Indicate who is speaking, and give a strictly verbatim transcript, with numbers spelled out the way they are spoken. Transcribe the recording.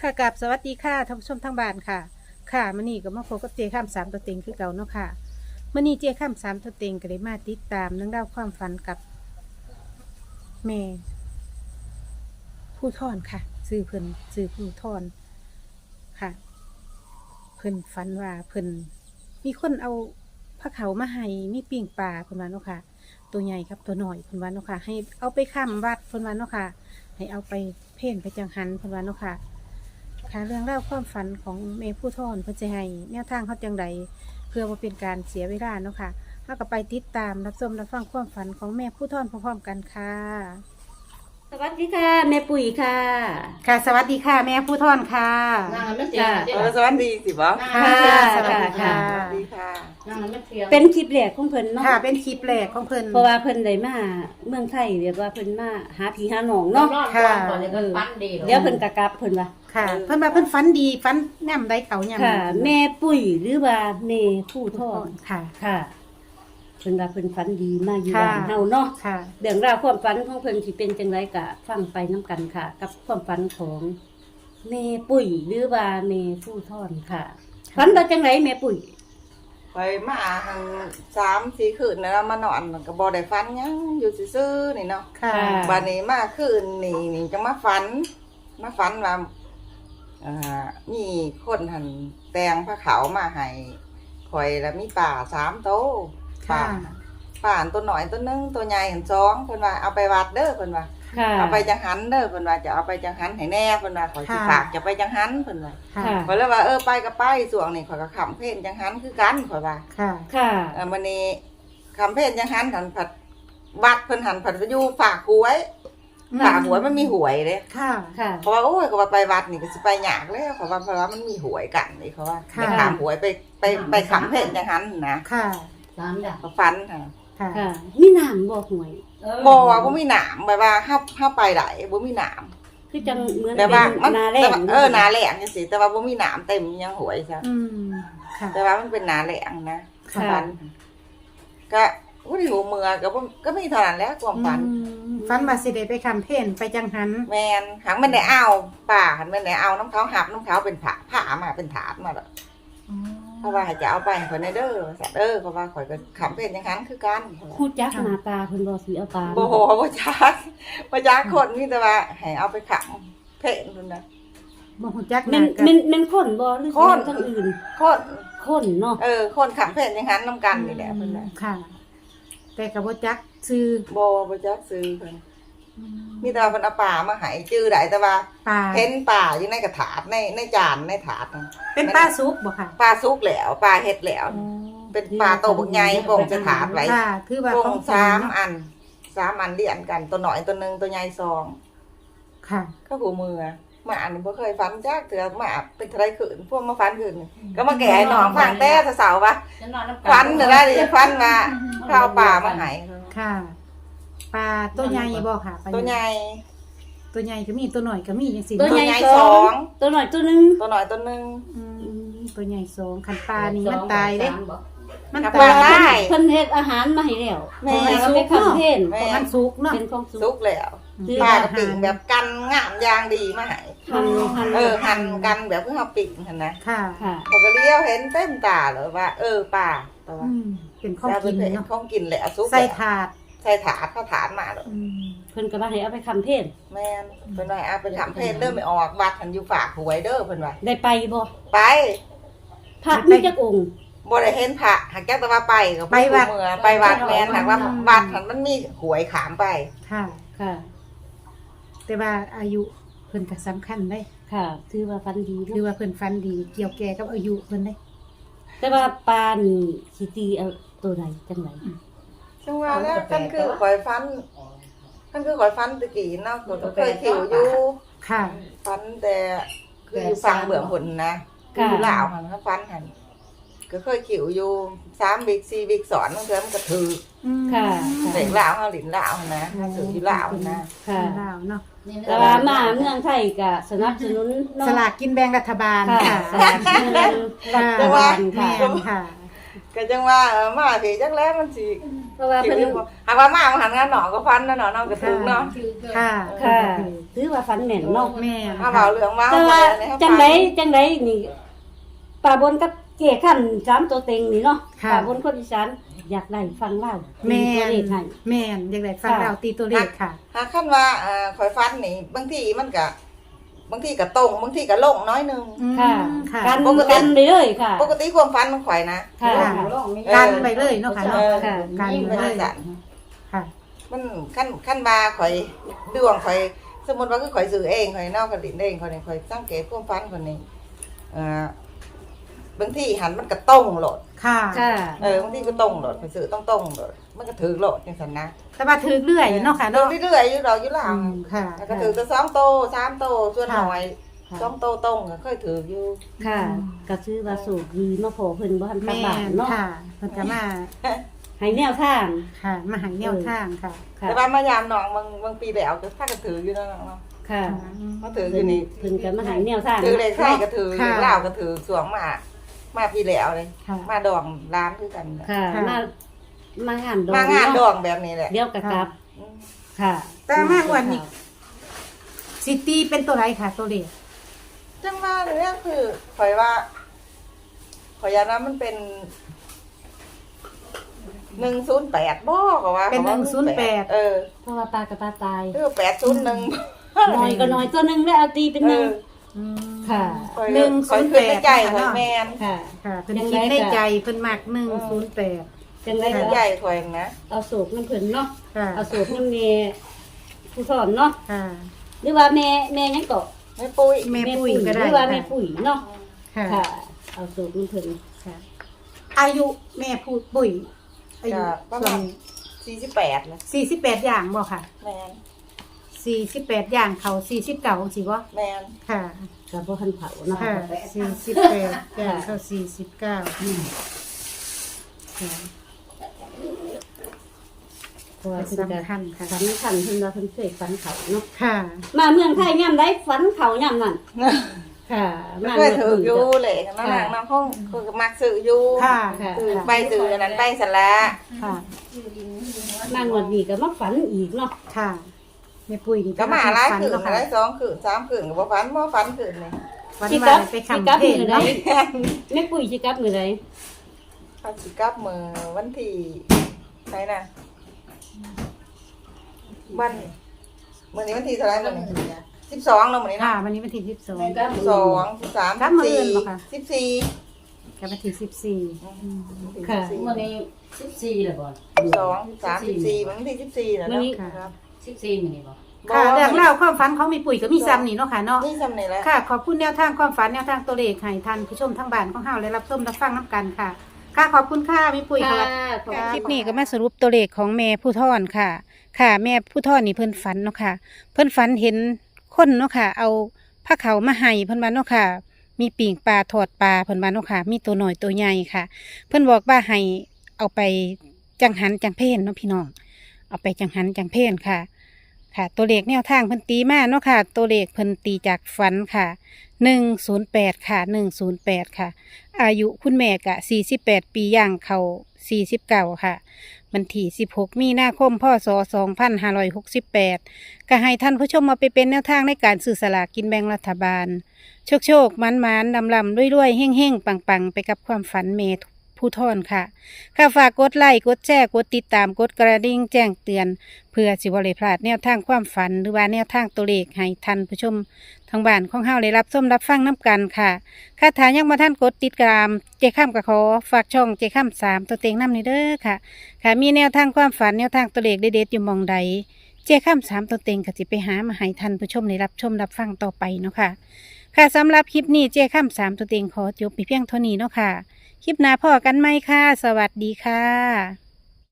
Speaker 1: ค่ะกับสวัสดีค่ะท่านผู้ชมทางบ้านค่ะค่ะมื้อนี้ก็มาพบกับเจข้ามสามตัวเต็งคือเก่าเนาะค่ะมื้อนี้เจข้ามสามตัวเต็งก็ได้มาติดตามเรื่องราวความฝันกับแม่ผู้ทอนค่ะซื้อเพิ่นซื้อผู้ทอนค่ะเพิ่นฝันว่าเพิ่นมีคนเอาผ้าเขาวมาให้มีปิ้งปลาเพิ่นว่าเนาะค่ะตัวใหญ่ครับตัวน้อยเพิ่นว่าเนาะค่ะให้เอาไปค้ำวัดเพิ่นว่าเนาะค่ะให้เอาไปเพ่นไปจังหันเพิ่นว่าเนาะค่ะ ค่ะเรื่องเล่าวความฝันของเมย์ผู้ทอนเพื่อจะให้แนวทางเขาจังใดเพื่อว่าเป็นการเสียเวลาเนาะค่ะเราก็ไปติดตามรับชมรับฟังความฝันของแม่ผู้ทอนพร้อมๆกันค่ะ
Speaker 2: สวัสดีค่ะแม่ปุ๋ยค่ะ
Speaker 1: ค่ะสวัสดีค่ะแม่ผู้ทอนค่ะ
Speaker 3: นั่งแล้วไม่เสียง
Speaker 2: จ้ะ
Speaker 3: เดี๋ยว
Speaker 4: เออสวัสดีสิบ่
Speaker 1: ค่ะ
Speaker 2: สวัสดี
Speaker 1: ค่ะ
Speaker 4: สวัสดีค่ะ
Speaker 3: นั่งแล้วไม่เสียง
Speaker 2: เป็นคลิปแรกของเพิ่นเนาะ
Speaker 1: ค่ะเป็นคลิปแรกของเพิ่น
Speaker 2: เพราะว่าเพิ่นได้มาเมืองไทยเรียกว่าเพิ่นมาหาผีหาหนอง
Speaker 3: เนาะ
Speaker 2: เนาะ
Speaker 3: ค่ะก่อนเลยก็ฟันดี
Speaker 2: เดี๋ยวเพิ่นกะกลับเพิ่นว่า
Speaker 1: ค่ะ เพิ่นว่าเพิ่นฝันดีฝันแนมได้เขาย่ำ
Speaker 2: ค่ะ แม่ปุ๋ยหรือว่าเมผู้ทอด
Speaker 1: ค่ะ
Speaker 2: ค่ะเพิ่นว่าเพิ่นฝันดีมาอยู่
Speaker 1: ค่ะ
Speaker 2: บ้านเฮาเนาะ
Speaker 1: ค่ะ
Speaker 2: เรื่องราวความฝันของเพิ่นสิเป็นจังไดกะฟังไปนํกันค่ะ กับความฝันของแม่ปุ๋ยหรือว่าแม่ผู้ทอดค่ะฝันว่าจังไดแม่ปุ๋ย
Speaker 4: ไปมาหันสามสี่คืนแล้วมานอนก็บ่ได้ฝันหยังอยู่ซื่อๆนี่เนาะ
Speaker 1: ค่ะ
Speaker 4: บัดนี้มาคืนนี่นี่จังมาฝันมาฝันว่าอ่ามีคนหันแตงผ้าขาวมาให้ข่อยแล้วมีป่าสามโตวป่า
Speaker 1: ค่ะ
Speaker 4: ป่าอันตัวหน่อยตัวหนึงตัวใหญ่หันสองเพิ่นว่าเอาไปวัดเด้อเพิ่นว่า
Speaker 2: ค่ะ
Speaker 4: เอาไปจังหันเด้อเพิ่นว่าจะเอาไปจังหันให้แน่เพิ่นว่าข่อยสิ
Speaker 1: ค่ะ
Speaker 4: ฝากจะไปจังหันเพิ่นว่า
Speaker 1: ค่ะ
Speaker 2: ค่ะ
Speaker 4: ข่อยเลยว่าเออไปก็ไปส่วงนี่ข่อยก็ขำเพ่นจังหันคือกันข่อยว่า
Speaker 1: ค่ะ
Speaker 2: ค่ะ
Speaker 4: เออวันนี้ขำเพ่นจังหันหันผัดวัดเพิ่นหันผัดไปอยู่ฝากหวยฝากหวยมันมีหวยเด้
Speaker 1: ค่ะ
Speaker 2: ค่ะ
Speaker 4: เพราะว่าโอ้ยเขาว่าไปวัดนี่ก็สิไปยากแล้วเขาว่าเพราะว่ามันมีหวยกันนี่เขาว่า
Speaker 1: ค่ะ
Speaker 4: ไปถามหวยไปไปไปขำเพ่นจังหันนะ
Speaker 1: ค่ะ
Speaker 3: สามอย่าง
Speaker 4: เขาฟันค่ะ
Speaker 1: ค่ะ
Speaker 2: ค่ะมีน้ำบ่ห่วย
Speaker 4: บ่ว่าบ่มีหนามแบบว่าเฮาเฮาไปได้บ่มีหนาม
Speaker 2: คือจังเหมือน
Speaker 4: แต่ว่า
Speaker 2: เป็
Speaker 4: มัน
Speaker 2: นาแร
Speaker 4: แต่
Speaker 2: ง
Speaker 4: ว่าเออหนาแหลงจังซี่แต่ว่าบ่มีหนามเต็มยังหวยซะ
Speaker 1: อืมค่ะ
Speaker 4: แต่ว่ามันเป็นหนาแหลงนะ
Speaker 1: ค่ะ
Speaker 4: ฟันก็บ่ได้หูเมือก็บ่ก็มีเท่านั้นแหละความฝัน
Speaker 1: อืมฝันว่าสิได้ไปคำเพ่นไปจังหัน
Speaker 4: แม่นหังมันได้เอาป่าหันมันได้เอาน้ำเขาหับน้ำเขาเป็นผ้าผ้ามาเป็นถาดมาแล้วเพราะว่าให้จะเอาไปให้คนในเด้อสัตว์เด้อเพราะว่าข่อยก็ขำเป็นอย่างนั้นคือกัน
Speaker 2: ฮู้จักหน้าตาเพิ่นบ่สิเอาปลา
Speaker 4: บ่โหบ่จักบ่จักคนมีแต่ว่าให้เอาไปขำเพ่นพุ่นน่ะ
Speaker 1: บ่ฮู้จักห
Speaker 2: แม่
Speaker 1: น้าน กั
Speaker 2: แม่นแม่นคนบ่หรือ
Speaker 4: คน
Speaker 2: ทางอื่น
Speaker 4: คน
Speaker 2: คนเนาะ
Speaker 4: เออคนขำเพ่นอย่างนั้นนำกันนี่แหละเพิ่นน่ะ
Speaker 1: ค่ะ แต่ก็บ่จักซื้อ
Speaker 4: บ่บ่จักซื้อเพิ่นมีแต่ว่าเพิ่นเอาป่ามาให้จื้อได้แต่ว่า
Speaker 1: ปลา
Speaker 4: เห็นป่าอยู่ในกระถาดในในจานในถาดน่ะ
Speaker 1: เป็นปลาซุปบ่ค่ะ
Speaker 4: ปลาสุกแล้วปลาเฮ็ดแล้ว เป็นปลาโตบักใหญ่โป่งจะถาดไว้
Speaker 1: ค่ะคือว่า
Speaker 4: โป่
Speaker 1: ของ ง
Speaker 4: สาม
Speaker 1: เนาะ
Speaker 4: อันสามอันเรียนกันตัวหน่อยตัวหนึงตัวใหญ่สอง
Speaker 1: ค่ะ
Speaker 4: ก็หูมือมาอันนี้บ่เคยฟันจักเถื่อมาเป็นไทรขืนพวกมาฟันขืนนี่ก็มาแก่ให้น้องฟังแต่เสาร์วะ
Speaker 3: จะนอนน้ำ
Speaker 4: ฟันเดี๋ยวได้ดิฟันมาข้าวป่ามาใหาย
Speaker 1: ค่ะ ปลาตัวใหญ่บ่ค่ะปลา
Speaker 4: ตัวใหญ่
Speaker 1: ตัวใหญ่ก็มีตัวหน่อยก็มีจังซี่
Speaker 2: ตัว
Speaker 4: ตัว
Speaker 2: ใหญ่
Speaker 4: ใหญ่
Speaker 2: ส
Speaker 4: ส
Speaker 2: อ
Speaker 4: อง ง
Speaker 2: ตัวน้อยตัวหนึง
Speaker 4: ตัวหน่อยตัวหนึง
Speaker 1: อืมตัวใหญ่สองคันปลานี่มันตายเด้ มัน
Speaker 4: ครับ
Speaker 1: ตาย
Speaker 4: ได้
Speaker 2: เพิ่นเฮ็ดอาหารมาให้แล้ว
Speaker 4: แม่
Speaker 2: ให้เอาไปคั้นเทน
Speaker 4: แม่
Speaker 1: เพราะมันสุกเนาะ
Speaker 2: เป็นของสุ
Speaker 4: สุ
Speaker 2: ก
Speaker 4: กแล้ว
Speaker 2: คือ
Speaker 4: ปลากระปิ่งแบบกันงามยางดีมาใหาย
Speaker 2: หั่นหั่น
Speaker 4: เออหั่นกันแบบเพื่อเอาปิ่งหั่นนะ
Speaker 1: ค่ะ
Speaker 2: ค่ะ
Speaker 4: เขาก็เลี้ยวเห็นเต็มตาเลยว่า เออป่าแต่ว่า
Speaker 1: อืมเป็นของกิน
Speaker 4: เนาะ
Speaker 1: เนาะ
Speaker 4: ของกินแหละสุก
Speaker 1: ใส่
Speaker 4: แล้ว
Speaker 1: ถาด
Speaker 4: ใส่ถาดเข้าถาดมาเลย
Speaker 1: อืม
Speaker 2: เพิ่นก็ว่าให้เอาไปคั้นเทน
Speaker 4: แม่นเพิ่นว่าเอาไปทำเพศเด้อไม่ออกวัดหันอยู่ฝากหวยเด้อเพิ่นว่า
Speaker 2: ได้ไปบ่
Speaker 4: ไป
Speaker 2: พระมีจักองค์
Speaker 4: บ่ได้เห็นพระหากจักแต่ว่าไปก็เมื่อไปวัดแม่นหากว่าวัดหันมันมีหวยขามไป
Speaker 1: ค่ะ
Speaker 2: ค่ะ
Speaker 1: แต่ว่าอายุเพิ่นก็สำคัญได้
Speaker 2: ค่ะถือว่าฟันดี
Speaker 1: คือ
Speaker 2: เนาะ
Speaker 1: ว่าเพิ่นฟันดีเกี่ยวแก่กับอายุเพิ่นได้
Speaker 2: แต่ว่าปลานี่สิตีเอาตัวใดจังได
Speaker 4: จังว่าแล้วกันคือข่อยฟันกันคือข่อยฟันตะกี้เนาะก็เคยขิวอยู่
Speaker 1: ค่ะ
Speaker 4: ฟันแต่คืออยู่ฝั่งเบื้องบนนะคืออยู่ลาวหันเขาฟันหันก็เคยขิวอยู่สามบิ๊กสี่บิ๊กสอนบางเทื่อมันก็ถือ
Speaker 2: ค่ะ
Speaker 4: เด็กลาวเฮาหลินลาวนะถ้าถืออยู่ลาวนะ
Speaker 2: ค่ะ
Speaker 1: ลาวเนาะ
Speaker 2: แต่ว่ามาเมืองไทยก็สนับสนุนเนาะ
Speaker 1: สลากกินแบ่งรัฐบาล
Speaker 2: ค่ะ
Speaker 1: ค่ะ
Speaker 2: สนับสนุนรัฐบาล
Speaker 1: แม่
Speaker 2: ค่ะ
Speaker 1: นค่ะ
Speaker 4: ก็จังว่าเออมาพี่จักแล้วมันสิ
Speaker 2: เพราะว่า
Speaker 4: คิ
Speaker 2: เพิ่
Speaker 4: วน อยู่บ่หากว่ามาหันงานหนอก็ฟันนะหนอเนาะก็ถึงเนาะ
Speaker 1: ค่ะ
Speaker 2: ค่ะถือว่าฝันแม่นเนาะ
Speaker 1: แม่น
Speaker 4: ถ้าเว้าเรื่องว่า
Speaker 2: แต่ว่า
Speaker 4: เอให้ฟั
Speaker 2: จังไดจังไดนี่ป่าบนกับเกี่ยขั้นสามตัวเต็งนี่เนาะ
Speaker 1: ค่ะ
Speaker 2: ป่าบนคนอีสานอยากได้ฟังเล่า
Speaker 1: แม่
Speaker 2: ตัวน เลขให้
Speaker 1: แม่นอยากได้ฟัง
Speaker 2: ค่ะ
Speaker 1: เราตีตัวเลขค่ะ
Speaker 4: หากคันว่าเอ่อข่อยฟันนี่บางทีมันก็บางทีก็ตรงบางทีก็ลงน้อยหนึง
Speaker 1: อืม
Speaker 2: ค่ะ
Speaker 1: ค่ะ
Speaker 2: กัน
Speaker 4: ปกติ
Speaker 2: กันไปเลยค่ะ
Speaker 4: ปกติความฟันของข่อยนะ
Speaker 2: ค่ะ
Speaker 1: ค่ะ
Speaker 4: เออ
Speaker 1: กันไปเลยเนาะค่ะเนาะ
Speaker 4: เออ
Speaker 2: ค่ะ
Speaker 1: กัน
Speaker 4: ยิ่ง
Speaker 1: ไป
Speaker 4: ไป
Speaker 1: เล
Speaker 4: เลย ยจ้ะ
Speaker 1: ค่ะ
Speaker 4: มันขั้นขั้นบาข่อยดวงข่อยสมมติว่าคือข่อยซื้อเองข่อยนอกกระดิ่งเองข่อยนี่ข่อยสังเกตความฟันคนนี้เอ่อบางทีหันมันก็ตรงโหลด
Speaker 1: ค่ะ
Speaker 2: ค่ะ
Speaker 4: เออบางทีก็ตรงโหลดข่อยซื้อต้องตรงโหลดมันก็ถือโหลดจังซั่นนะ
Speaker 1: แต่ว่าถือเรื่อยเนาะค่ะ
Speaker 4: เดิ
Speaker 1: เนาะ
Speaker 4: นเรื่อยๆอยู่ดอกอยู่หลัง
Speaker 1: อืมค่ะ
Speaker 4: แล้วก็ถือแต่สองโตสามโตส่วนหน่อย
Speaker 2: ค่ะ
Speaker 4: สองโตตรงก็เคยถืออยู่
Speaker 2: ค่ะก็ชื่อว่าสูกดีมาพอเพิ่นบ่ทันกลับ
Speaker 1: แม่
Speaker 2: บ้าน
Speaker 1: น
Speaker 2: เนาะ
Speaker 1: ค่ะเพิ่นก็มา
Speaker 2: ให้แนวทาง
Speaker 1: ค่ะ มาใหาแนวทางค่ะ
Speaker 2: ค่ะ
Speaker 4: แต่ว่ามายามน้องบางบางปีแล้วก็ถ้าก็ถืออยู่เนาะน้องเนาะ
Speaker 2: ค่ะ
Speaker 4: เขาถืออ
Speaker 2: เพิ่
Speaker 4: ยู่
Speaker 2: น
Speaker 4: นี่
Speaker 2: เพิ่นก็มาให้แนวทาง
Speaker 4: ถือเลขไทยก็ถือ
Speaker 1: ค่ะ
Speaker 4: เลขลาวก็ถือสวงมา มาพี่แล้วเลย
Speaker 1: ค่ะ
Speaker 4: มาดองร้านคือกันเนี่ย
Speaker 2: ค่ะ
Speaker 1: ค่ะ
Speaker 2: มาม างานดอง
Speaker 4: มางานด
Speaker 2: เะ
Speaker 4: องแบบนี้แหละ
Speaker 2: เดี๋ยวกะกลับ
Speaker 4: อืม
Speaker 2: ค่ะ
Speaker 1: แต่มากกว่านี้ สิตีเป็นตัวไรค่ะ ตัวเลข
Speaker 4: จังว่าเนี่ยคือข่อยว่าข่อยยานะมันเป็นหนึ่งศูนย์แปดบ่ก็ว่า
Speaker 1: เป็น
Speaker 4: ขาว่า
Speaker 1: หนึ่งศูนย์แปด
Speaker 4: เออ
Speaker 2: เพราะว่าปลากระปลาตาย
Speaker 4: คือแปดศูนย์หนึ่ง
Speaker 2: น้อยก็น้อยตัวหนึงแล้วเอาตีเป็นหนึ่ง
Speaker 1: อืม
Speaker 2: ค่ะ
Speaker 1: หนึ่งศูนย์แปด
Speaker 4: ใจ
Speaker 1: ค่ะ
Speaker 4: ข่อย
Speaker 1: เนาะ
Speaker 4: แมน
Speaker 2: ค่ะ
Speaker 1: ค่ะเพิ่นคิดในใจเพิ่นมักหนึ่งศูนย์แปด
Speaker 2: จังได
Speaker 4: ใจ
Speaker 2: ก็
Speaker 4: ใจข่อยนะ
Speaker 2: เอาโศกน้ำเพิ่นเนาะ
Speaker 1: ค่ะ
Speaker 2: เอาโศกน้ำเมผู้สอนเนาะ
Speaker 1: ค่ะ
Speaker 2: หรือว่าแม่แม่หยังก็
Speaker 4: ไม่ปุ้ย
Speaker 1: แม่ปุ๋ยก็
Speaker 2: ห
Speaker 1: ได้
Speaker 2: รือว่าแม่ปุ๋ยเนาะ
Speaker 1: ค่ะ
Speaker 2: ค่ะ เอาโศกน้ำเพิ่น
Speaker 1: ค่ะ อายุแม่พูดปุ๋ยอายุ
Speaker 4: ก็ประ
Speaker 1: ส่ว
Speaker 4: มาน ณสี่สิบแปดนะ
Speaker 1: สี่สิบแปดอย่างบ่ค่ะ
Speaker 4: แมน
Speaker 1: สี่สิบแปดอย่างเขาสี่สิบเก้าสิบ่
Speaker 4: แมน
Speaker 1: ค่ะ
Speaker 2: ก็บ่ทันเผาเนาะ
Speaker 1: ค่ะสี่สิบแปดอย่างเขาสี่สิบเก้าค่ะ
Speaker 2: เพราะว่าเพิ่นก็
Speaker 1: สำคัญค่ะ
Speaker 2: สำคัญเพิ่นว่าเพิ่นเคยฝันเขาเนาะ
Speaker 1: ค่ะ
Speaker 2: มาเมืองไทยยามใดฝันเขายามนั้นค่ะมา
Speaker 4: เคยถืออ
Speaker 2: เมื
Speaker 4: ยู่
Speaker 2: ง
Speaker 4: เลยนั่นน่ะน้องเขาคือมักซื้ออยู่
Speaker 1: ค่ะ
Speaker 2: ค่ะ
Speaker 4: ซื้อไปซื้ออันนั้นไปสละ
Speaker 1: ค่ะ
Speaker 2: มางวดนี้ก็มาฝันอีกเนาะ
Speaker 1: ค่ะแม่ปุ๋ยนี่
Speaker 4: ก็มาหลายคืน
Speaker 1: เนาะ
Speaker 4: ห
Speaker 1: ค่ะ
Speaker 4: ลายสองคืนสามคืนก็บ่ฝันบ่ฝันคืนเลย
Speaker 1: วัน
Speaker 2: สิ
Speaker 1: วานไป
Speaker 2: สิ
Speaker 1: คำ
Speaker 2: กลับ
Speaker 1: เพล
Speaker 2: มื
Speaker 1: ง
Speaker 2: อใด
Speaker 1: เนาะ
Speaker 2: แม่ปุ๋ยสิกลับมือใด
Speaker 4: เขาสิกลับมือวันที่ไหนน่ะวันมื้อนี้วันที่เท่าไหร่มื้อนี้สิบสองเนาะมื้อนี้
Speaker 1: ค่ะ
Speaker 4: เนาะ
Speaker 1: วันนี้วันที่สิบสอง
Speaker 4: สิบสองสิบสาม
Speaker 1: กลับมื้ออื่นบ่คะ
Speaker 4: สิบสี่
Speaker 1: กับวันที่สิบสี่
Speaker 2: ค่ะ
Speaker 3: วันนี้สิบสี่เลยบ่
Speaker 4: สิบสองสิบสามสิบสี่วันที่สิบสี่แล้ว
Speaker 2: มื้อ
Speaker 4: เนาะ
Speaker 2: นี้
Speaker 4: ครับ
Speaker 3: สิบสี่มื้อนี้บ่
Speaker 1: ค่ะเรื่องเล่าวความฝันของแม่ปุ๋ยก็มีซ้ำนี่เนาะค่ะเนาะ
Speaker 4: นี่จำนี่แหละ
Speaker 1: ค่ะ ขอบคุณแนวทางความฝันแนวทางตัวเลขให้ท่านผู้ชมทั้งบ้านของเฮาและรับชมรับฟังน้ำกันค่ะ ค่ะขอบคุณค่ะแม่ปุ๋ย
Speaker 2: ค่ะ
Speaker 1: ค่ะ
Speaker 2: ขอบ
Speaker 1: ค่ะ
Speaker 2: ณ
Speaker 1: คลิปนี้ก็มาสรุปตัวเลขของแม่ผู้ทอนค่ะ ค่ะ แม่ผู้ทอนนี่เพิ่นฝันเนาะค่ะ เพิ่นฝันเห็นคนเนาะค่ะ เอาผ้าขาวมาให้เพิ่นว่าเนาะค่ะ มีปิ่งปลาทอดปลาเพิ่นว่าเนาะค่ะ มีตัวหน่อยตัวใหญ่ค่ะ เพิ่นบอกว่าให้เอาไปจังหันจังเพนเนาะพี่น้อง เอาไปจังหันจังเพนค่ะ ค่ะ ตัวเลขแนวทางเพิ่นตีมาเนาะค่ะ ตัวเลขเพิ่นตีจากฝันค่ะหนึ่งศูนย์แปดค่ะหนึ่งศูนย์แปดค่ะ อายุคุณแม่กะสี่สิบแปดปีย่างเขาสี่สิบเก้าค่ะวันที่สิบหกมีนาคมพศสองพันห้าร้อยหกสิบแปดก็ให้ท่านผู้ชมมาไปเป็นแนวทางในการสื่อสลากกินแบ่งรัฐบาล โชคโชคมันมันลำลำด้วยด้วยเฮ่งเฮ่งปังปังไปกับความฝันเมธผู้ทอนค่ะข้าฝากกดไลค์กดแชร์กดติดตามกดกระดิ่งแจ้งเตือน เพื่อสิบริพลาดแนวทางความฝันหรือว่าแนวทางตัวเลขให้ท่านผู้ชมทางบ้านของเฮาได้รับชมรับฟังน้ำกันค่ะค่ะถ้ายังมาท่านกดติดตามเจข้ามกับขอฝากช่องเจข้ามสามตัวเต็งน้ำนี่เด้อค่ะ ค่ะมีแนวทางความฝันแนวทางตัวเลขเด็ดๆอยู่หมองใดเจข้ามสามตัวเต็งก็สิไปหามาให้ท่านผู้ชมได้รับชมรับฟังต่อไปเนาะค่ะ ค่ะสำหรับคลิปนี้เจข้ามสามตัวเต็งขอจบไปเพียงเท่านี้เนาะค่ะ คลิปหน้าพอกันไหมค่ะ สวัสดีค่ะ